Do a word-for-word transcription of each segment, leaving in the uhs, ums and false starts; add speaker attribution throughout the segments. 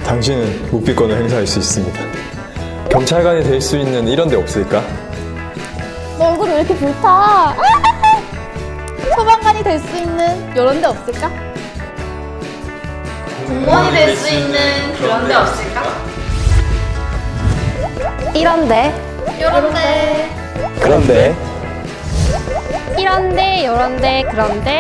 Speaker 1: 당신은 묵비권을 행사할 수 있습니다. 경찰관이 될 수 있는 이런 데 없을까?
Speaker 2: 너 얼굴이 왜 이렇게 불타? 소방관이 될 수 있는 이런 데 없을까?
Speaker 3: 공무원이 될 수 있는 그런 데 없을까?
Speaker 4: 이런데
Speaker 3: 요런데
Speaker 1: 그런데
Speaker 4: 이런데 요런데 그런데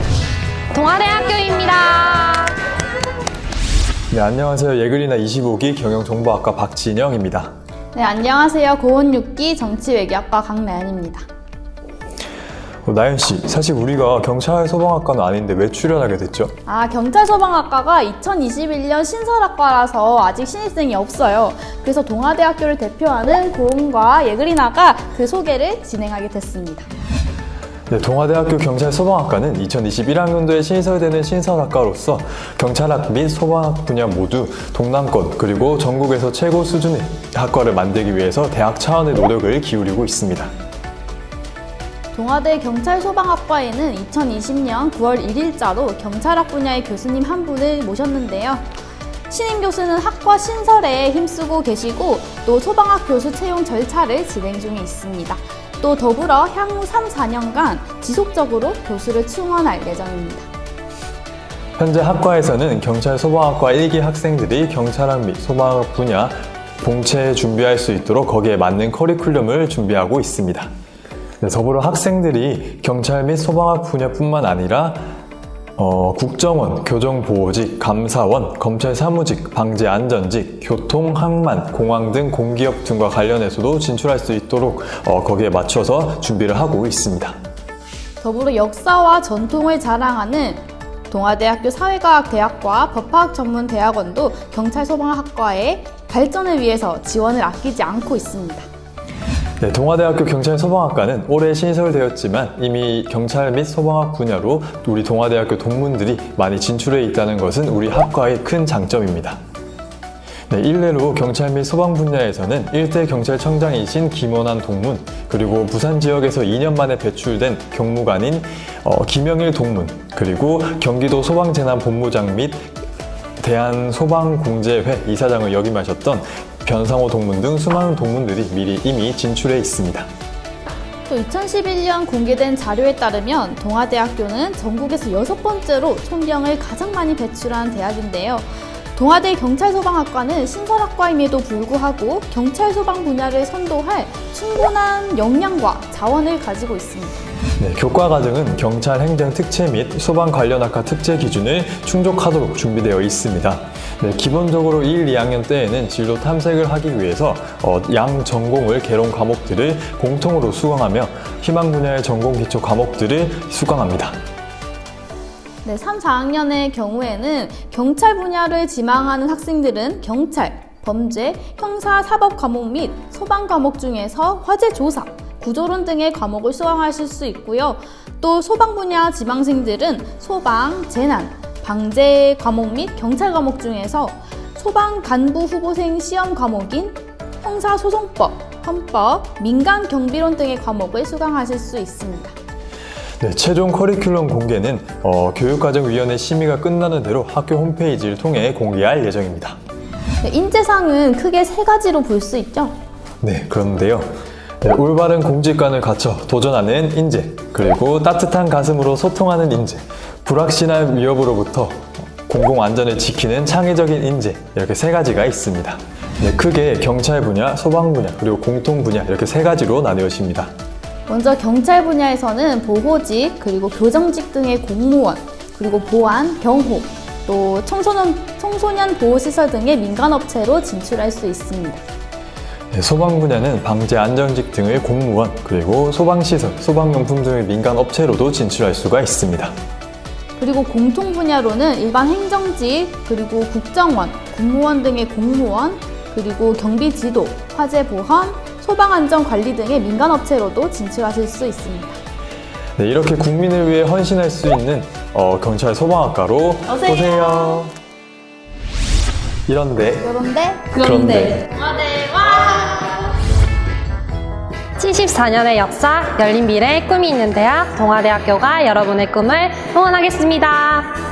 Speaker 4: 동아대학교입니다.
Speaker 1: 네, 안녕하세요. 예글이나 이십오 기 경영정보학과 박진영입니다.
Speaker 2: 네, 안녕하세요. 고온 육 기 정치외교학과 강나연입니다.
Speaker 1: 어, 나연씨, 사실 우리가 경찰 소방학과는 아닌데 왜 출연하게 됐죠?
Speaker 2: 아, 경찰소방학과가 이천이십일 년 신설학과라서 아직 신입생이 없어요. 그래서 동아대학교를 대표하는 고은과 예글이나가 그 소개를 진행하게 됐습니다.
Speaker 1: 네, 동아대학교 경찰소방학과는 이천이십일 학년도에 신설되는 신설학과로서 경찰학 및 소방학 분야 모두 동남권 그리고 전국에서 최고 수준의 학과를 만들기 위해서 대학 차원의 노력을 기울이고 있습니다.
Speaker 2: 동아대 경찰소방학과에는 이천이십 년 구월 일 일자로 경찰학 분야의 교수님 한 분을 모셨는데요. 신임 교수는 학과 신설에 힘쓰고 계시고 또 소방학 교수 채용 절차를 진행 중에 있습니다. 또 더불어 향후 삼, 사 년간 지속적으로 교수를 충원할 예정입니다.
Speaker 1: 현재 학과에서는 경찰소방학과 일 기 학생들이 경찰학 및 소방학 분야 봉채 준비할 수 있도록 거기에 맞는 커리큘럼을 준비하고 있습니다. 네, 더불어 학생들이 경찰 및 소방학 분야뿐만 아니라 어, 국정원, 교정보호직, 감사원, 검찰 사무직, 방재안전직, 교통, 항만, 공항 등 공기업 등과 관련해서도 진출할 수 있도록 어, 거기에 맞춰서 준비를 하고 있습니다.
Speaker 2: 더불어 역사와 전통을 자랑하는 동아대학교 사회과학대학과 법학전문대학원도 경찰소방학과의 발전을 위해서 지원을 아끼지 않고 있습니다.
Speaker 1: 네, 동아대학교 경찰소방학과는 올해 신설되었지만 이미 경찰 및 소방학 분야로 우리 동아대학교 동문들이 많이 진출해 있다는 것은 우리 학과의 큰 장점입니다. 네, 일례로 경찰 및 소방 분야에서는 일대 경찰청장이신 김원환 동문, 그리고 부산 지역에서 이 년 만에 배출된 경무관인 어, 김영일 동문, 그리고 경기도 소방재난본부장 및 대한소방공제회 이사장을 역임하셨던 변상호 동문 등 수많은 동문들이 미리 이미 진출해 있습니다.
Speaker 2: 또 이천십일 년 공개된 자료에 따르면 동아대학교는 전국에서 여섯 번째로 총경을 가장 많이 배출한 대학인데요. 동아대 경찰소방학과는 신설학과임에도 불구하고 경찰소방 분야를 선도할 충분한 역량과 자원을 가지고 있습니다.
Speaker 1: 네, 교과 과정은 경찰 행정 특채 및 소방 관련 학과 특채 기준을 충족하도록 준비되어 있습니다. 네, 기본적으로 일, 이 학년 때에는 진로 탐색을 하기 위해서 어, 양 전공을 개론 과목들을 공통으로 수강하며 희망 분야의 전공 기초 과목들을 수강합니다.
Speaker 2: 네, 삼, 사 학년의 경우에는 경찰 분야를 지망하는 학생들은 경찰, 범죄, 형사, 사법 과목 및 소방 과목 중에서 화재 조사, 구조론 등의 과목을 수강하실 수 있고요. 또 소방 분야 지망생들은 소방, 재난, 방재 과목 및 경찰 과목 중에서 소방 간부 후보생 시험 과목인 형사소송법, 헌법, 민간 경비론 등의 과목을 수강하실 수 있습니다.
Speaker 1: 네, 최종 커리큘럼 공개는 어, 교육과정위원회 심의가 끝나는 대로 학교 홈페이지를 통해 공개할 예정입니다.
Speaker 2: 네, 인재상은 크게 세 가지로 볼 수 있죠.
Speaker 1: 네, 그런데요. 네, 올바른 공직관을 갖춰 도전하는 인재, 그리고 따뜻한 가슴으로 소통하는 인재, 불확실한 위협으로부터 공공안전을 지키는 창의적인 인재, 이렇게 세 가지가 있습니다. 네, 크게 경찰 분야, 소방 분야, 그리고 공통 분야 이렇게 세 가지로 나뉘어집니다.
Speaker 2: 먼저 경찰 분야에서는 보호직, 그리고 교정직 등의 공무원, 그리고 보안, 경호, 또 청소년, 청소년 보호시설 등의 민간업체로 진출할 수 있습니다.
Speaker 1: 네, 소방 분야는 방재 안전직 등의 공무원, 그리고 소방시설, 소방용품 등의 민간업체로도 진출할 수가 있습니다.
Speaker 2: 그리고 공통 분야로는 일반 행정직, 그리고 국정원, 군무원 등의 공무원, 그리고 경비지도, 화재보험, 소방안전관리 등의 민간업체로도 진출하실 수 있습니다.
Speaker 1: 네, 이렇게 국민을 위해 헌신할 수 있는 어, 경찰 소방학과로
Speaker 2: 오세요.
Speaker 1: 오세요. 이런데
Speaker 2: 그런데
Speaker 1: 그런데.
Speaker 3: 동아대 와!
Speaker 4: 칠십사 년의 역사, 열린 미래의 꿈이 있는 대학 동아대학교가 여러분의 꿈을 응원하겠습니다.